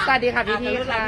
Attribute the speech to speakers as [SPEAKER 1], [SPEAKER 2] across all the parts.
[SPEAKER 1] สวัสดีค่ะพี่ค่ะ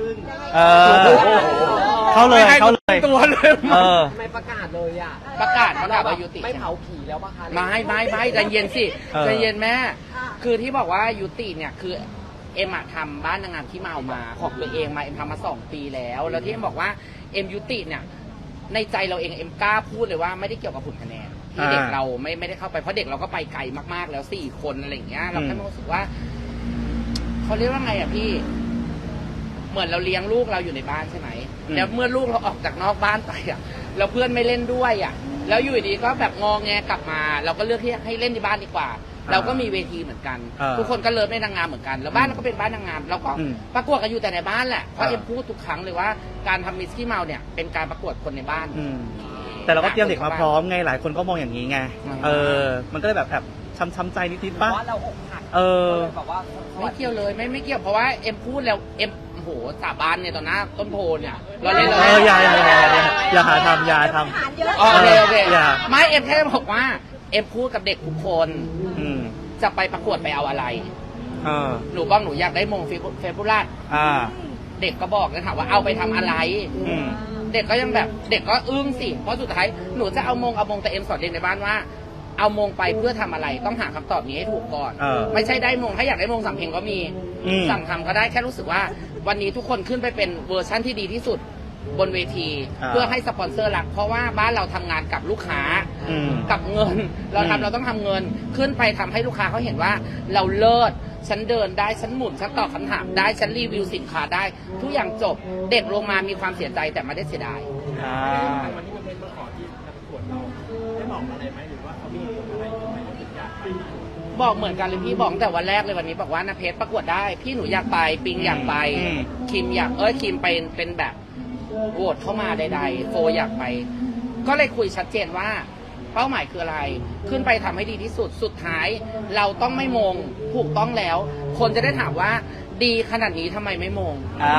[SPEAKER 2] เข้าเลย
[SPEAKER 1] ตัวเลย
[SPEAKER 3] ไม่ประกาศเลยอ่ะ
[SPEAKER 1] ประกาศว่ายุติ
[SPEAKER 3] ไม่เผาผีแล้วป่ะคะ
[SPEAKER 1] ไม่ใจเย็นสิใจเย็นแม่คือที่บอกว่ายุติเนี่ยคือเอ็มทำบ้านนางงามที่เมามาของตัวเองมาเอ็มทำมา2 ปีแล้วที่เอ็มบอกว่าเอ็มยุติเนี่ยในใจเราเองเอ็มกล้าพูดเลยว่าไม่ได้เกี่ยวกับผลคะแนนที่เด็กเราไม่ได้เข้าไปเพราะเด็กเราก็ไปไกลมากๆแล้ว4 คนอะไรอย่างเงี้ยเราแค่รู้สึกว่าเขาเรียกว่าไงอ่ะพี่เหมือนเราเลี้ยงลูกเราอยู่ในบ้านใช่ไหมแล้วเมื่อลูกเราออกจากนอกบ้านไปอ่ะแล้วเพื่อนไม่เล่นด้วยอ่ะแล้วอยู่ดีก็แบบงอแงกลับมาเราก็เลือกที่ให้เล่นในบ้านดีกว่าเราก็มีเวทีเหมือนกันทุกคนก็เลิฟในนางงามเหมือนกันแล้วบ้านเราก็เป็นบ้านนางงามเราก็ประกวดกันอยู่แต่ในบ้านแหละเพราะเอ็มพูดทุกครั้งเลยว่าการทำมิสกี้เมาเนี่ยเป็นการประกวดคนในบ้าน
[SPEAKER 2] แต่เราก็เตรียมเด็กมาพร้อมไงหลายคนก็มองอย่างนี้ไงมันก็เลยแบบช้ำใจนิดๆป่ะ
[SPEAKER 3] ว่าเราอกหักแบบว่า
[SPEAKER 1] ไม่เกี่ยวเลยไม่เกี่ยวเพราะว่าเอ็มพูดแล้วเอ็มโหสาบานเนี่ยตอนหน้าต้นโพเนี่ยเราเล่น
[SPEAKER 2] อย่าหาทำ
[SPEAKER 1] โอเคไม่เอ็มแค่บอกว่าเอ็มพูดกับเด็กทุกคนจะไปประกวดไปเอาอะไรหนูบอกหนูอยากได้มงเฟบูล่าเด็กก็บอกนะถามว่าเอาไปทำอะไรเด็กก็ยังแบบเด็กก็อึ้งสิเพราะสุดท้ายหนูจะเอามงแต่เอ็มสอนเด็กในบ้านว่าเอามงไปเพื่อทำอะไรต้องหาคำตอบนี้ให้ถูกก่อนไม่ใช่ได้มงถ้าอยากได้มงสั่งเพลงก็มีสั่งทำก็ได้แค่รู้สึกว่าวันนี้ทุกคนขึ้นไปเป็นเวอร์ชั่นที่ดีที่สุดบนเวทีเพื่อให้สปอนเซอร์รักเพราะว่าบ้านเราทำงานกับลูกค้ากับเงินเราต้องทำเงินขึ้นไปทำให้ลูกค้าเขาเห็นว่าเราเลิศฉันเดินได้ฉันหมุนฉันตอบคำถามได้ฉันรีวิวสินค้าได้ทุกอย่างจบเด็กลงมามีความเสียใจแต่ไม่ได้เสียดาย
[SPEAKER 4] วันนี้มันเป็นมาขอที่ประกวดเราได้บอกอะไรไหมหรือว่าเขามีอะไรทำไมเราถึงอยากไป
[SPEAKER 1] บอกเหมือนกันเลยพี่บอกแต่วันแรกเลยวันนี้บอกว่านะเพชรประกวดได้พี่หนูอยากไปปิงอยากไปคิมอยากคิมเป็นแบบโหวตเข้ามาใดๆโฟอยากไปก็เลยคุยชัดเจนว่าเป้าหมายคืออะไรขึ้นไปทำให้ดีที่สุดสุดท้ายเราต้องไม่มงถูกต้องแล้วคนจะได้ถามว่าดีขนาดนี้ทำไมไม่มง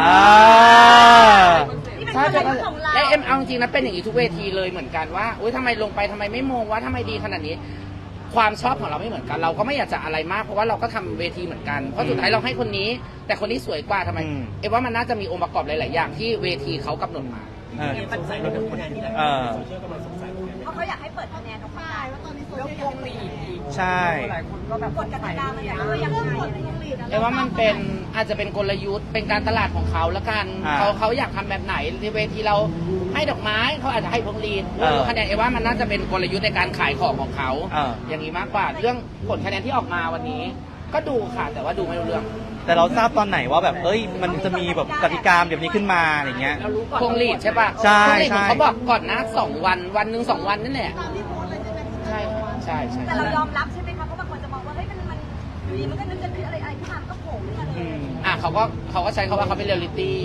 [SPEAKER 1] ใช่และเอ็มเอาจริงนะเป็นอย่างนี้ทุกเวทีเลยเหมือนกันว่าอุ้ยทำไมลงไปทำไมไม่มงว่าทำไมดีขนาดนี้ความชอบของเราไม่เหมือนกันเราก็ไม่อยากจะอะไรมากเพราะว่าเราก็ทำเวทีเหมือนกันเพราะสุดท้ายเราให้คนนี้แต่คนนี้สวยกว่าทำไมเอ็มว่ามันน่าจะมีองค์ประกอบหลายๆอย่างที่เวทีเขากำหนดมา
[SPEAKER 4] สงสัยเราเป็นคะแนนที่ไหนโซเชียลกำลังสงสัย
[SPEAKER 5] เพราะเขาอยากให้เปิดคะแนนออกมาว่าตอนนี้โซเชียลมี
[SPEAKER 2] ใช่
[SPEAKER 3] หลายคนก็แบบ
[SPEAKER 5] กดกติกามันอย่างไรยังไงอะไรอย่างเงี้ย
[SPEAKER 1] เอ็มว่ามันเป็นอาจจะเป็นกลยุทธ์เป็นการตลาดของเขาละกันเขาอยากทำแบบไหนในเวทีเราให้ดอกไม้เขาอาจจะให้พวงหรีดคะแนนเอ็มว่ามันน่าจะเป็นกลยุทธ์ในการขายของเขาอย่างนี้มากกว่าเรื่องผลคะแนนที่ออกมาวันนี้ก็ดูค่ะแต่ว่าดูไม่รู้เรื่อง
[SPEAKER 2] แต่เราทราบตอนไหนว่าแบบมันจะมีแบบกติกาแบบนี้ขึ้นมาอะไรเงี้ย
[SPEAKER 1] พวงหรีดใช่ป่ะ
[SPEAKER 2] ใช่
[SPEAKER 1] เขาบอกก่อนนะ2 วันหนึ่ง2 วันนั่นแหละใช่
[SPEAKER 5] แต่เรายอมรับใช่ไหมคะเพราะบางคนจะมองว่าเฮ้ยมันอยู่ดีมันก็นึกจะคืออะไรที่มันก็โผล่ขึ้นมาเลย
[SPEAKER 1] เขาก็ใช้คำว่าเขาเป็นเรียลลิตี้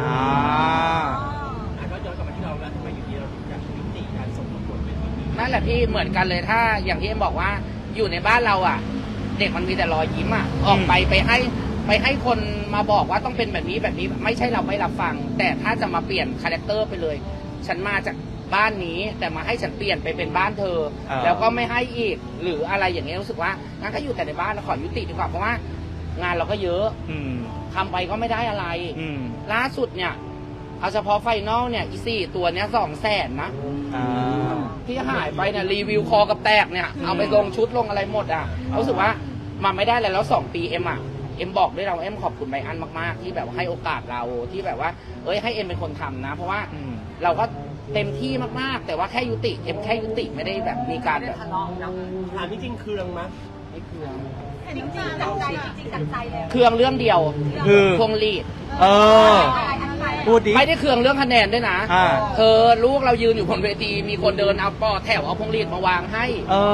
[SPEAKER 4] ก็ย้อนกลับมาที่เราแล้วทำไมอยู่ดีเราถึงอยากยุติการส่งประกวดเป็นแบบนี้
[SPEAKER 1] นั่นแหละพี่เหมือนกันเลยถ้าอย่างที่เอ็มบอกว่าอยู่ในบ้านเราอ่ะเด็กมันมีแต่รอยยิ้มอ่ะออกไปให้คนมาบอกว่าต้องเป็นแบบนี้ไม่ใช่เราไม่รับฟังแต่ถ้าจะมาเปลี่ยนคาแรคเตอร์ไปเลยฉันมาจากบ้านนี้แต่มาให้ฉันเปลี่ยนไปเป็นบ้านเธอแล้วก็ไม่ให้อีกหรืออะไรอย่างเงี้ยรู้สึกว่างั้นก็อยู่แต่ในบ้านแล้วขอยุติดีกว่าเพราะว่างานเราก็เยอะทำไปก็ไม่ได้อะไรล่าสุดเนี่ยเอาเฉพาะไฟนอลเนี่ยอี4 ตัวเนี้ย200,000นะที่หายไปเนี่ยรีวิวคอกับแตกเนี่ยเอาไปลงชุดลงอะไรหมดอ่ะรู้สึกว่ามันไม่ได้แล้ว2 ปีเอ็มบอกด้วยเราเอ็มขอบคุณไบอันมากๆที่แบบให้โอกาสเราที่แบบว่าให้เอ็มเป็นคนทำนะเพราะว่าเราก็เต็มที่มากๆแต่ว่าแค่ยุติเอ็มแค่ยุติไม่ได้แบบมีการแบบ
[SPEAKER 3] ทะเลาะนะ
[SPEAKER 4] ถามจริงเครื่องมั้ย
[SPEAKER 1] ไม่เครื่อง
[SPEAKER 5] จริงจังใจจริงจังใจเลย
[SPEAKER 1] เครื่องเรื่องเดียวคือพวงหรีด
[SPEAKER 2] พูดดิ
[SPEAKER 1] ไม่ได้เครื่องเรื่องคะแนนด้วยนะลูกเรายืนอยู่บนเวทีมีคนเดินเอาปอแถวเอาพวงหรีดมาวางให้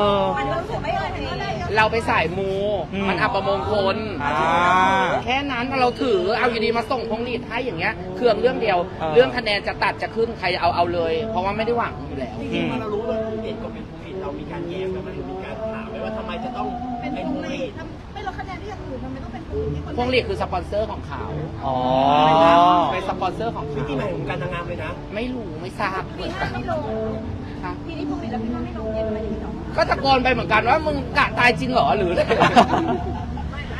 [SPEAKER 1] เราไปสายมูมันอัปมงคลแค่นั้นเราถือเอาอยู่ดีมาส่งพวงหรีดให้อย่างเงี้ยเครื่องเรื่องเดียวเรื่องคะแนนจะตัดจะขึ้นใครเอาเลยเพราะว่าไม่ได้หวังอยู่แล้ว
[SPEAKER 4] จริงๆเรารู้ว่าพวงหรีดก็เป็นพวงหรีดเรามีการแย้งกันไหมหรือมีการถามไหมว่าทำไมจะต้อง
[SPEAKER 5] เป็นพวงหรีดไม่ลดคะแนนที่อื่นทำไมต้องเป็นพวงหรีด
[SPEAKER 1] พวงหรีดคือสปอนเซอร์ของเขาเป็นสปอนเซอร์ของ
[SPEAKER 4] วิธีใหม่ของการทำงานเลยนะ
[SPEAKER 1] ไม่รู้ไม่ทราบ
[SPEAKER 5] ปี5ไม่ลงทีนี้พวกนี้แล้วพี่ว่าไม่ลงเย็นไหมพี่หรอ
[SPEAKER 1] ก็ตะโกนไปเหมือนกันว่ามึงกะตายจริงเหรอหรือ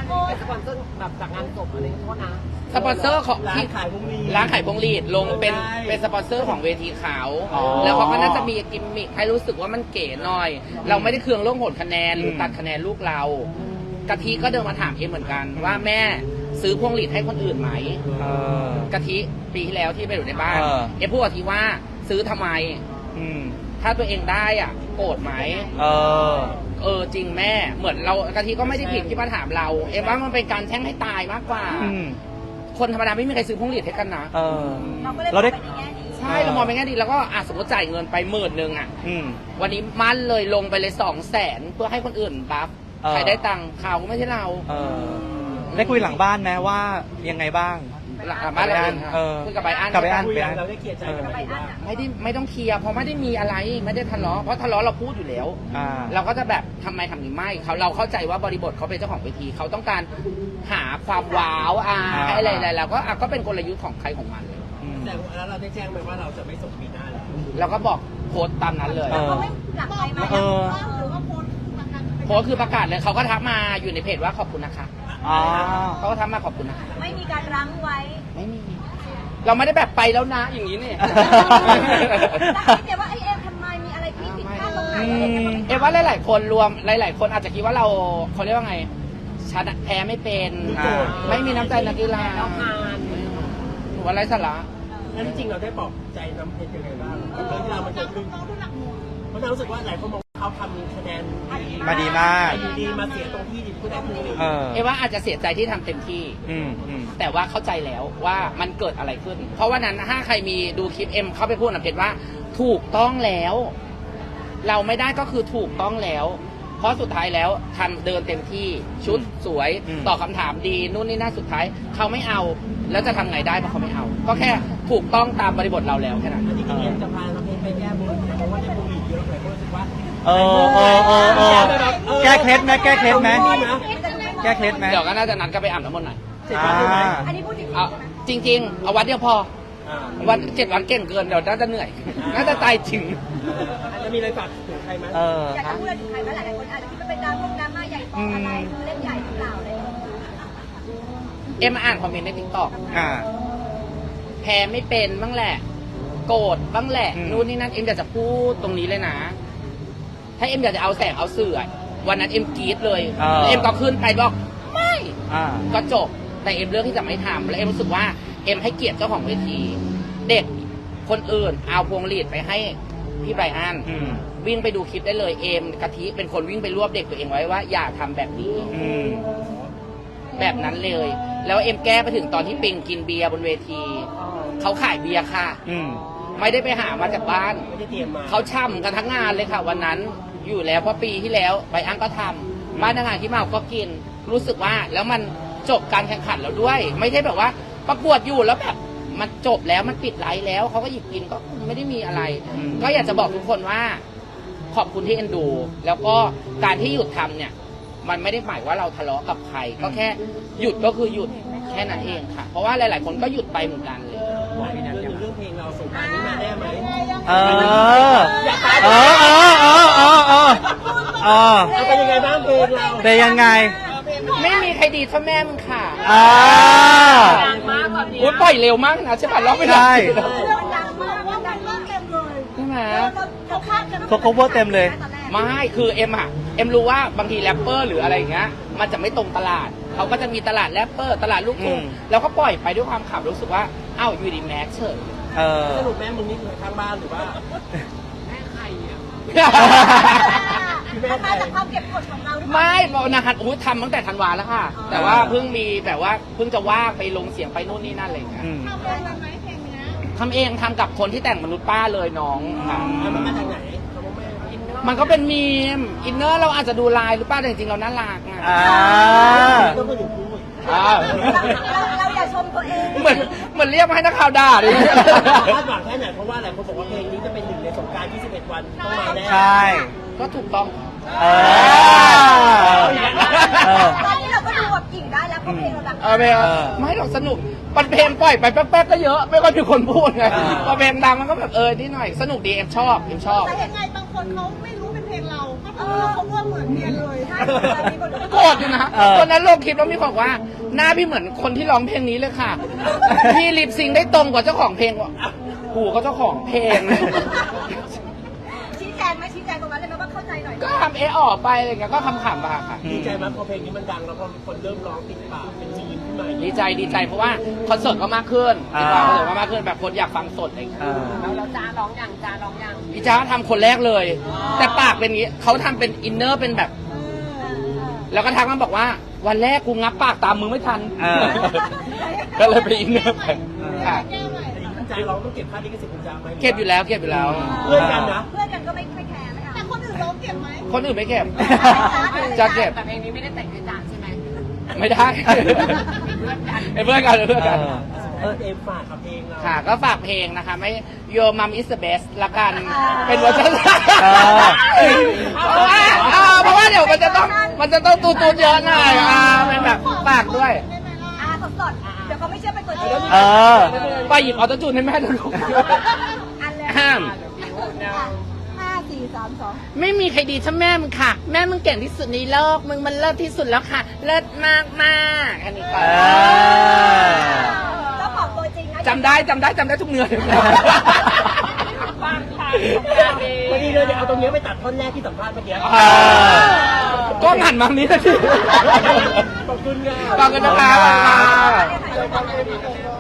[SPEAKER 5] โอ้ย
[SPEAKER 3] สปอนเซอร์แบบจากงานศพอะไรโทษนะ
[SPEAKER 1] สปอนเซอร์ของ
[SPEAKER 4] ร้าน
[SPEAKER 1] ที่
[SPEAKER 4] ขายพวงหรีด
[SPEAKER 1] ร้านขายพวงหรีดลงเป็น
[SPEAKER 4] ใช่
[SPEAKER 1] เป็นสปอนเซอร์ของเวทีขาว
[SPEAKER 2] อ๋อ
[SPEAKER 1] แล้วเขาก็น่าจะมีกิมมิคให้รู้สึกว่ามันเก๋หน่อย เราไม่ได้เคืองเรื่องโหดคะแนนหรือตัดคะแนนลูกเรากะทิก็เดินมาถามเอ็มเหมือนกันว่าแม่ซื้อพวงหรีดให้คนอื่นไหม
[SPEAKER 2] เออก
[SPEAKER 1] ะทิปีที่แล้วที่ไปอยู่ในบ้าน
[SPEAKER 2] เออ
[SPEAKER 1] เอ็มพูดกับทีว่าซื้อทำไม
[SPEAKER 2] อืม
[SPEAKER 1] ถ้าตัวเองได้อ่ะโกรธไหม
[SPEAKER 2] เออ
[SPEAKER 1] จริงแม่เหมือนเรากะทิก็ไม่ได้ผิดที่มาถามเรา เอ็มว่ามันเป็นการแช่งให้ตายมากกว่า
[SPEAKER 2] อืม
[SPEAKER 1] คนธรรมดาไม่มีใครซื้อพวงหรีดให้กันนะ
[SPEAKER 2] เออ
[SPEAKER 5] เราก็เลย
[SPEAKER 2] เราได้
[SPEAKER 5] ไปในแง่ดี
[SPEAKER 1] ใช่เรามองไปนแง่ดีแล้วก็สมมติจ่ายเงินไป10,000อ่ะ
[SPEAKER 2] อืม
[SPEAKER 1] วันนี้มั่นเลยลงไปเลย200,000เพื่อให้คนอื่นบัฟ
[SPEAKER 2] เออ
[SPEAKER 1] ใครได้ตังค์เขาก็ไม่ใช่เรา
[SPEAKER 2] เออ ได้คุยหลังบ้านไหมว่ายังไงบ้าง
[SPEAKER 1] หลังบ้านเราเอง
[SPEAKER 2] เออ
[SPEAKER 1] คุยกับใบอัน
[SPEAKER 2] กับใบอั้
[SPEAKER 4] คุยกันเราได้เคลียร์ใจกันไหมว่า
[SPEAKER 1] ไม่ต้องเคลียร์เพราะไม่ได้มีอะไรไม่ได้ทะเลาะเพราะทะเลาะเราพูดอยู่แล้ว
[SPEAKER 2] อ่า
[SPEAKER 1] เราก็จะแบบทำไมทำนี้ไม่เราเข้าใจว่าบริบทเขาเป็นเจ้าของเวทีเขาต้องการหาความว้าวให้อะไรเราก็เป็นกลยุทธ์ของใครของมันเลย
[SPEAKER 2] อืม
[SPEAKER 4] แต่แล้วเราได้แจ้งไปว่าเราจะไม่ส่งปีหน้าแล้ว
[SPEAKER 1] เราก็บอกโพสต์ตามนั้นเลย
[SPEAKER 2] เออ
[SPEAKER 5] เขาไม่หลักไปไหม
[SPEAKER 2] เออ
[SPEAKER 5] หรือว่าโพสต์ประกัน
[SPEAKER 1] โพสต์คือประกาศเลยเขาก็ทักมาอยู่ในเพจว่าขอบคุณนะคะ
[SPEAKER 2] อ๋อ
[SPEAKER 1] เขาก็ทักมาขอบคุณนะคะ
[SPEAKER 5] ไม่มีการรั้งไว้
[SPEAKER 1] ไม่มีเราไม่ได้แบบไปแล้วนะอย่างนี้เนี่ย
[SPEAKER 5] แต่ให้เดี๋ยวว่าไอเอ็มทำไมมีอะไรที่ผิดพลาดตรงไหนอะไรอย่างเงี้ย
[SPEAKER 1] เอ็มว่าหลายๆคนรวมหลายๆคนอาจจะคิดว่าเราเขาเรียกว่าไงชนะแพ้ไม่เป็น
[SPEAKER 2] อ่า
[SPEAKER 1] ไม่มีน้ำใจนักกีฬา
[SPEAKER 3] เราผ่าน
[SPEAKER 1] หนูว่าไร้สาระ
[SPEAKER 4] แล้วจริงๆเราได้ปลอบใจน้ำเพชรยังไงบ้างกับเรื่องที่เรามันเกิดขึ้นเพราะเรารู้สึกว่าหลายคนมองว่าเขาทำคะแนนดี
[SPEAKER 2] มาดีมาก
[SPEAKER 4] ดีมาเสียตรงที่ดิผู้ได้ผู้ดี
[SPEAKER 2] เออ
[SPEAKER 1] เอ็มว่าอาจจะเสียใจที่ทำเต็มที่
[SPEAKER 2] อืมอืม
[SPEAKER 1] แต่ว่าเข้าใจแล้วว่ามันเกิดอะไรขึ้น เพราะว่านั้นถ้าใครมีดูคลิปเอ็มเข้าไปพูดนะเพจว่าถูกต้องแล้ว เราไม่ได้ก็คือถูกต้องแล้ว เพราะสุดท้ายแล้วทำเดินเต็มที่ชุดสวย
[SPEAKER 2] อืม
[SPEAKER 1] ตอบคำถามดีนู่นนี่นั่นสุดท้ายเขาไม่เอา แล้วจะทำไงได้เพราะเขาไม่เอา ก็แค่ถูกต้องตามบริบทเราแล้วแค่นั้น
[SPEAKER 4] อันนี้จริงๆจะพาน้ำเพชรไปแก้บนเพราะว่าได้ผู้ดีเยอะหลายคนรู้สึกว่า
[SPEAKER 2] เออแก้เคล็ดไหมแก้เคล็ดไหมแก้เคล็ดไหม
[SPEAKER 1] เดี๋ยวก็น่าจะนัดกันไปอาบน้ำมนต์หน่อย
[SPEAKER 4] เสร็จแล้วใช่ไหม
[SPEAKER 5] อันนี้พูดจริงๆ
[SPEAKER 1] เอา
[SPEAKER 5] ใช่ไหม
[SPEAKER 1] จริง ๆ เอาวันเดียวพอ
[SPEAKER 4] อ่า
[SPEAKER 1] วัน7 วันเก่งเกินเดี๋ยวน่าจะเหนื่อย น่าจะตายจริง
[SPEAKER 4] อาจจะมีอะไรฝากถึงใครไหม
[SPEAKER 2] เออ
[SPEAKER 5] อยากจะพูดอะไรถึงใครไหมหลายๆคนอาจจะคิดว่าเป็นดราม่าใหญ่โตอะไรเล่นใหญ่หรือเปล่าอะไรอย่างเงี้ย
[SPEAKER 1] เอ็มอ่านคอมเมนต์ในทิกตอก
[SPEAKER 2] อ่า
[SPEAKER 1] แพ้ไม่เป็นบ้างแหละ โกรธบ้างแหละ
[SPEAKER 2] อืม
[SPEAKER 1] นู่นนี่นั่นเอ็มอยากจะพูดตรงนี้เลยนะ ถ้าเอ็มอยากจะเอาแสงเอาเสื่อวันนั้นเอ็มกรี๊ดเลยแล้วเอ็มก็ขึ้นไปบอกไม่
[SPEAKER 2] อ่า
[SPEAKER 1] ก็จบแต่เอ็มเลือกที่จะไม่ทำและเอ็มรู้สึกว่าเอ็มให้เกียรติเจ้าของเวที เด็กคนอื่นเอาพวงหรีดไปให้พี่ไบรอัน
[SPEAKER 2] อืม
[SPEAKER 1] วิ่งไปดูคลิปได้เลยเอ็มกะทิเป็นคนวิ่งไปรวบเด็กตัวเองไว้ว่าอย่าทำแบบนี้
[SPEAKER 2] อืม
[SPEAKER 1] แบบนั้นเลย แล้วเอ็มแก้ไปถึงตอนที่ปิงกินเบียร์บนเวที เขาขายเบียร์ค่ะ
[SPEAKER 2] อืม
[SPEAKER 1] ไม่ได้ไปหามาจากบ้าน
[SPEAKER 4] ไม่ได้เตรียมมา
[SPEAKER 1] เขาช่ำกันทั้งงานเลยค่ะ วันนั้นอยู่แล้วเพราะปีที่แล้วใบอังก็ทำบ้านทางานที่เมาก็กิน รู้สึกว่าแล้วมันจบการแข่งขันแล้วด้วย ไม่ใช่แบบว่าประกวดอยู่แล้วแบบมันจบแล้วมันปิดไลฟ์แล้วเขาก็หยิบกินก็ไม่ได้มีอะไร
[SPEAKER 2] อืม
[SPEAKER 1] ก็อยากจะบอกทุกคนว่า ขอบคุณที่เอ็นดู แล้วก็การที่หยุดทำเนี่ย มันไม่ได้หมายว่าเราทะเลาะกับใคร ก็แค่หยุดก็คือหยุดแค่นั้นเองค่ะ เพราะว่าหลาย ๆ คนก็หยุดไปเหมือนกันเลย
[SPEAKER 4] บอกพี่นัทเรื่องเพลงเราสงกรานต์นี้มาได้ไหม
[SPEAKER 2] เออ เออ เออ เออ เออ เออ เออ
[SPEAKER 4] เอาเป็นยังไงบ้างเพลงเรา
[SPEAKER 2] เป็นยังไง
[SPEAKER 1] ไม่มีใครดีเท่าแม่มึงค่ะ
[SPEAKER 2] อ่า
[SPEAKER 3] ดังมากตอนนี้
[SPEAKER 1] โอ้ยปล่อยเร็วมากนะใช่ป่ะร้องไม่ได้
[SPEAKER 2] ใช่
[SPEAKER 5] เรื่องดังมากว่าดังมากเต็มเลย
[SPEAKER 1] ใช่ไหม
[SPEAKER 5] เขาคาดกัน
[SPEAKER 2] เขา cover เต็มเลย
[SPEAKER 1] ไม่คือเอ็มอะเอ็มรู้ว่าบางทีแรปเปอร์หรืออะไรอย่างเงี้ยมันจะไม่ตรงตลาดเขาก็จะมีตลาดแรปเปอร์ตลาดลูกทุ่ง
[SPEAKER 2] อืม
[SPEAKER 1] แล้วก็ปล่อยไปด้วยความขำรู้สึกว่าอ้าวอยู่ดีแม็กเฉย
[SPEAKER 2] เออ
[SPEAKER 4] สรุปแม่มึงนี่คือข้างบ้านหรือว่า
[SPEAKER 3] แม่ไข่อะ
[SPEAKER 5] มันมาจากความเก็บกดของเราหรือเปล่า
[SPEAKER 1] ไม่บอกนะครับอุ้ยทำตั้งแต่ธันวาแล้วค่ะ แต่ว่าเพิ่งมีแบบว่าเพิ่งจะว่างไปลงเสียงไปนู่นนี่นั่นอะไรอย่างเงี้ย
[SPEAKER 2] อืม
[SPEAKER 5] ทำเองไหมเพลงเนี้ย
[SPEAKER 1] ทำเองทำกับคนที่แต่งมนุษย์ป้าเลยน้องค่ะ
[SPEAKER 4] มันมาจากไหนคำว่าแม่
[SPEAKER 1] มันก็เป็นมีมอินเนอร์เราอาจจะดูลายหรือเปล่าแต่จริงๆเราน่ารักอะ
[SPEAKER 2] อ่า
[SPEAKER 4] ก็คือหนูพูด
[SPEAKER 5] เราอย่าชมตัวเอง
[SPEAKER 1] เหมือนเรียกมาให้นักข่าวด่าดิ
[SPEAKER 4] คาดหวังแค่ไหนเพราะว่าหลายคนบอกว่าเพลงนี้จะเป็นหนึ่งในสงกรานต์21 วันต้องมาแน่
[SPEAKER 2] ใช่
[SPEAKER 1] ก็ถูกต้อง
[SPEAKER 2] เออ เออ
[SPEAKER 5] ตอนนี้เราก็ดูแบบกิ่งได้แล้วเพราะเพลงเราดัง
[SPEAKER 1] ไม่หรอกสนุกปันเพลงปล่อยไปแป๊บๆก็เยอะ ไม่ค่อยมีคนพูดไง
[SPEAKER 2] อ่า
[SPEAKER 1] พอเพลงดังมันก็แบบนิดหน่อยสนุกดีเอ็มชอบ
[SPEAKER 5] แต่ยังไงบางคนเขาไม่รู้เป็นเพลงเราก็เขาว่าเหมือนเมียเลยใช่มีคน
[SPEAKER 1] โกรธอยู่นะคนนั้นลงคลิปแล้วมีคนบอกว่าหน้าพี่เหมือนคนที่ร้องเพลงนี้เลยค่ะ พี่ลิปซิงค์ได้ตรงกว่าเจ้าของเพลงว่ะกูก็เจ้าของเพลงเลย
[SPEAKER 5] ชี้แจงไหมชี้แจงตรงนั้นเลยไหมว่าเข้าใจหน่อย
[SPEAKER 1] ก็ทำออกไปอะไรเงี้ยก็ขำๆไปค่ะ
[SPEAKER 4] ดีใจไหมพอเพลงนี้มันดังแล้วพอคนเริ่มร้องติดปากเป็นมีมขึ้นมาอย่าง
[SPEAKER 1] ดี
[SPEAKER 4] นี้
[SPEAKER 1] ใจเพราะว่าคอนเสิร์ตก็มากขึ้นดีกว่าคอนเสิร์ตก็มากขึ้นแบบคนอยากฟังสดอะไรอย่างเงี้ย
[SPEAKER 3] แล้วจ้าร้องยังจ้าร้องยัง
[SPEAKER 1] พี่จ้าทำคนแรกเลย แต่ปากเป็นอย่างงี้เขาทำเป็นอินเนอร์เป็นแบบ แล้วก็ทักมาบอกว่า วันแรกกูงับปากตามมึงไม่ทัน ก็เลยไปอินเนอร์ไปค่ะ
[SPEAKER 4] แต่คุณใจร้องต้องเก็บค่าลิขสิทธิ์คุณจาไหม
[SPEAKER 1] เก็บอยู่แล้ว
[SPEAKER 4] เพื่อนกันนะ
[SPEAKER 5] เพื่อนกันก็ไม่แคร์นะคะแต่คนอื่นร้องเก็บไหม
[SPEAKER 1] คนอื่นไม่เก็บ จะเก็บ
[SPEAKER 3] แต่เพลงนี้ไม่ได้แต่งให้จ้าใช่ไหม
[SPEAKER 1] ไม่ได้เพื่อนกัน
[SPEAKER 4] เอ็มฝากกับเพลงเรา
[SPEAKER 1] ค่ะก็ฝากเพลงนะคะไม่ Your Mom is the best ละกัน เป็นเวอร์ชันเพราะว่าเดี๋ยวมันจะต้องตูดเยอะหน่อยเป็นแบบฝากด้วย
[SPEAKER 5] สดๆเดี๋ยวเขาไม่เชื่อเป็นตัวจริง
[SPEAKER 1] ไปหยิบออโต้จูนให้แม่ดูลูก
[SPEAKER 5] อันเลย
[SPEAKER 1] ห้าม
[SPEAKER 5] 5 4 3 2
[SPEAKER 1] ไม่มีใครดีเท่าแม่มึงค่ะ แม่มึงเก่งที่สุดในโลกมึงมันเลิศที่สุดแล้วค่ะ เลิศมากมากอันนี้ก่อน
[SPEAKER 5] เจ้าของตัวจริงนะ
[SPEAKER 1] จำได้ทุกเนื้อเลย
[SPEAKER 3] ฟังค่ะ
[SPEAKER 4] พอดีเลยเดี๋ยวเอาตรงนี้ไปตัดท่อนแรกที่สัมภาษณ์เมื่อกี้
[SPEAKER 1] ก็หันมานี้นะที
[SPEAKER 4] ขอบคุณค่ะ
[SPEAKER 1] ขอบคุณนะคะ
[SPEAKER 5] ถ่ายรูปก่อนเลย